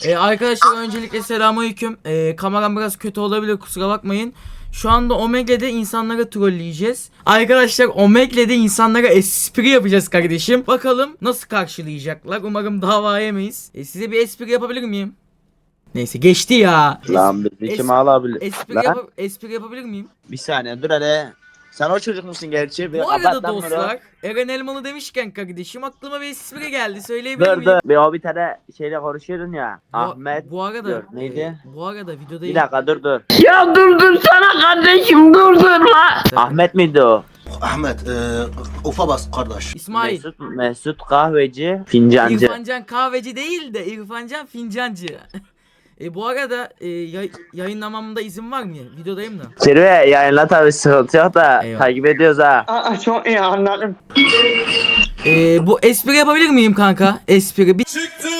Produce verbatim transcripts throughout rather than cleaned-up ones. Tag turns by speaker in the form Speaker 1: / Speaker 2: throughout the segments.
Speaker 1: Ee, arkadaşlar öncelikle selamünaleyküm. Ee, kameram biraz kötü olabilir, kusura bakmayın. Şu anda Omegle'de insanlara trolleyeceğiz. Arkadaşlar Omegle'de insanlara espri yapacağız kardeşim. Bakalım nasıl karşılayacaklar. Umarım dava yemeyiz. Ee, size bir espri yapabilir miyim? Neyse geçti ya.
Speaker 2: Lan bizi kim alabilir?
Speaker 1: Espri,
Speaker 2: Lan,
Speaker 1: yapa- espri yapabilir miyim?
Speaker 2: bir saniye dur hele. Sen o çocuk musun gerçi? Bir
Speaker 1: Bu arada
Speaker 2: kapat lan bunu.
Speaker 1: dostlar, Eren Elmalı demişken kardeşim aklıma bir espri geldi. Söyleyebilir
Speaker 2: Dur
Speaker 1: miyim?
Speaker 2: dur. Bir o bir tane şeyle konuşuyordun ya.
Speaker 1: Bu,
Speaker 2: Ahmet.
Speaker 1: bu arada
Speaker 2: dur, neydi?
Speaker 1: e, bu arada videodayım.
Speaker 2: Bir dakika dur dur.
Speaker 3: Ya durdursana kardeşim durdurma.
Speaker 2: Ahmet miydi o?
Speaker 4: Ahmet, e, ufa bas kardeş.
Speaker 1: İsmail.
Speaker 2: Mesut, Mesut kahveci, fincancı.
Speaker 1: İrfancan kahveci değil de İrfancan fincancı. e, bu arada e, yay- yayınlamamda izin var mı? Videodayım da.
Speaker 2: Zirve yayınla tabi, sıkıntı yok da
Speaker 1: Eyvallah.
Speaker 2: takip ediyoruz ha.
Speaker 3: Aa, çok iyi anladım.
Speaker 1: E, bu espri yapabilir miyim kanka? Espri bir...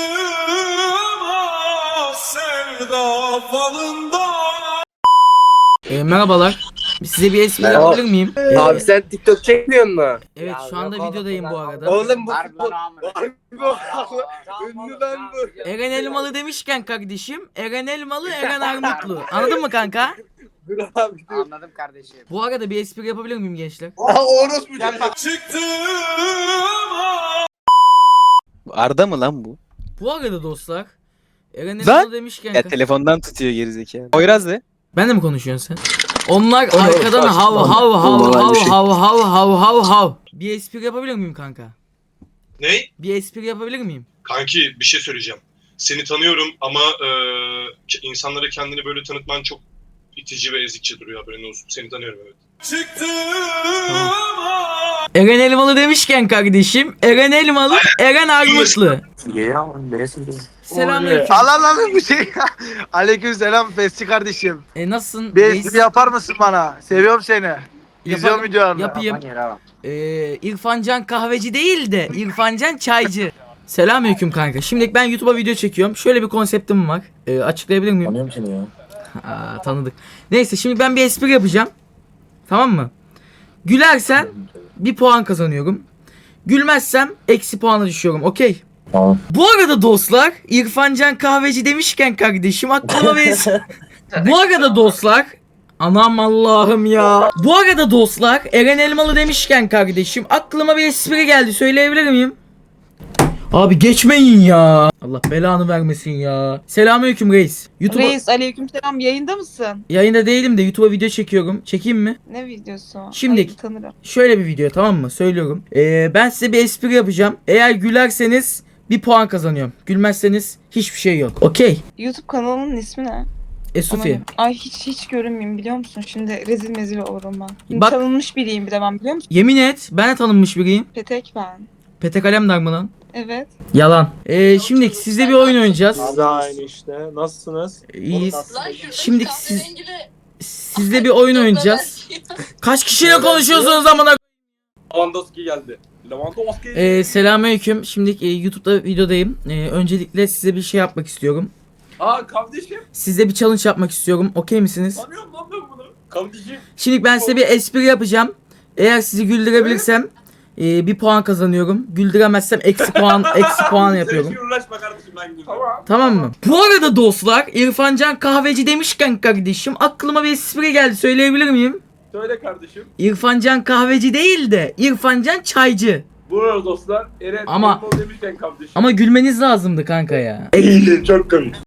Speaker 1: E, merhabalar. Size bir espri
Speaker 5: Merhaba.
Speaker 1: yapabilir miyim? E,
Speaker 5: Abi sen TikTok çekmiyor musun?
Speaker 1: evet şu anda videodayım bu arada.
Speaker 5: Oğlum bu futbol. Harbi bu. Ünlü lan bu.
Speaker 1: Eren Elmalı demişken kardeşim, Eren Elmalı, Eren Armutlu. Anladın mı kanka?
Speaker 5: Dur abi dur.
Speaker 6: Anladım kardeşim.
Speaker 1: Bu arada bir espri yapabilir miyim gençler?
Speaker 5: Aa orospu
Speaker 7: Arda mı lan bu?
Speaker 1: Bu arada dostlar, Eren
Speaker 7: Lan!
Speaker 1: Elmalı demişken...
Speaker 7: Ya telefondan tutuyor gerizekalı. Poyraz de.
Speaker 1: Ben de mi konuşuyorsun sen? Onlar arkadan hav hav hav hav hav hav hav hav hav. Bir espri yapabilir miyim kanka?
Speaker 8: Ne?
Speaker 1: Bir espri yapabilir miyim?
Speaker 8: Kanki bir şey söyleyeceğim. Seni tanıyorum ama e, insanlara kendini böyle tanıtman çok itici ve ezikçe duruyor, haberin olsun. Seni tanıyorum, evet.
Speaker 1: Eren Elmalı demişken kardeşim, Eren Elmalı, Eren Armutlu. Selamünaleyküm.
Speaker 5: Allah lan bu şey. Aleyküm selam Festi kardeşim.
Speaker 1: E nasılsın?
Speaker 5: Bir
Speaker 1: reis?
Speaker 5: espri yapar mısın bana? Seviyorum seni. İzliyorum
Speaker 1: Yaparım,
Speaker 5: videolarını.
Speaker 1: Yapayım. Ee, İrfancan kahveci değil de İrfancan çaycı. Selamünaleyküm kanka. Şimdi ben YouTube'a video çekiyorum. Şöyle bir konseptim var. Ee, açıklayabilir miyim?
Speaker 4: Tanıyorum seni ya.
Speaker 1: Aa, tanıdık. Neyse şimdi ben bir espri yapacağım. Tamam mı? Gülersen bir puan kazanıyorum. Gülmezsem eksi puana düşüyorum. Okey.
Speaker 4: Tamam.
Speaker 1: Bu arada dostlar, İrfancan kahveci demişken kardeşim aklıma bir... Bu arada dostlar, anam Allah'ım ya. Bu arada dostlar, Eren Elmalı demişken kardeşim aklıma bir espri geldi. Söyleyebilir miyim? Abi geçmeyin ya. Allah belanı vermesin ya. Selamünaleyküm reis. YouTube'a
Speaker 9: Reis aleykümselam, yayında mısın?
Speaker 1: yayında değilim de YouTube'a video çekiyorum. Çekeyim mi?
Speaker 9: Ne videosu?
Speaker 1: Şimdi-
Speaker 9: Ay, tanırım.
Speaker 1: Şöyle bir video, tamam mı? Söylüyorum. Ee, ben size bir espri yapacağım. Eğer gülerseniz bir puan kazanıyorum. Gülmezseniz hiçbir şey yok. Okey.
Speaker 9: YouTube kanalının ismi ne?
Speaker 1: Esufi.
Speaker 9: Aman, ay hiç hiç görünmeyeyim biliyor musun? Şimdi rezil mezil olurum ben.
Speaker 1: Bak-
Speaker 9: Tanınmış biriyim bir de ben, biliyor musun?
Speaker 1: Yemin et, ben de tanınmış biriyim.
Speaker 9: Petek ben.
Speaker 1: Petek Alemdar mı lan?
Speaker 9: Evet.
Speaker 1: Yalan. Ee, şimdi sizle bir oyun oynayacağız.
Speaker 5: Abi aynı işte. Nasılsınız?
Speaker 1: İyiyiz. Şimdi siz sizle bir oyun oynayacağız. Kaç kişiyle konuşuyorsunuz amına?
Speaker 5: Lewandowski geldi. Lewandowski.
Speaker 1: Ee, selamünaleyküm. Şimdi e, YouTube'da videodayım. Ee, öncelikle size bir şey yapmak istiyorum.
Speaker 5: Aa kardeşim.
Speaker 1: Size bir challenge yapmak istiyorum. Okey misiniz?
Speaker 5: Tanıyorum lan ben bunu. Kardeşim.
Speaker 1: Şimdi ben size bir espri yapacağım. Eğer sizi güldürebilirsem e, bir puan kazanıyorum. Güldüremezsem eksi puan eksi puan yapıyorum.
Speaker 5: Uğraşma kardeşim ben gidiyorum. Tamam.
Speaker 1: Tamam mı? Bu arada dostlar, İrfancan kahveci demişken kardeşim aklıma bir espri geldi. Söyleyebilir miyim?
Speaker 5: Söyle kardeşim.
Speaker 1: İrfancan kahveci değil de İrfancan çaycı.
Speaker 5: Buyurun dostlar. Eren
Speaker 1: Ama-
Speaker 5: Elmalı demişken kardeşim.
Speaker 1: Ama gülmeniz lazımdı kanka ya.
Speaker 5: Çok komik.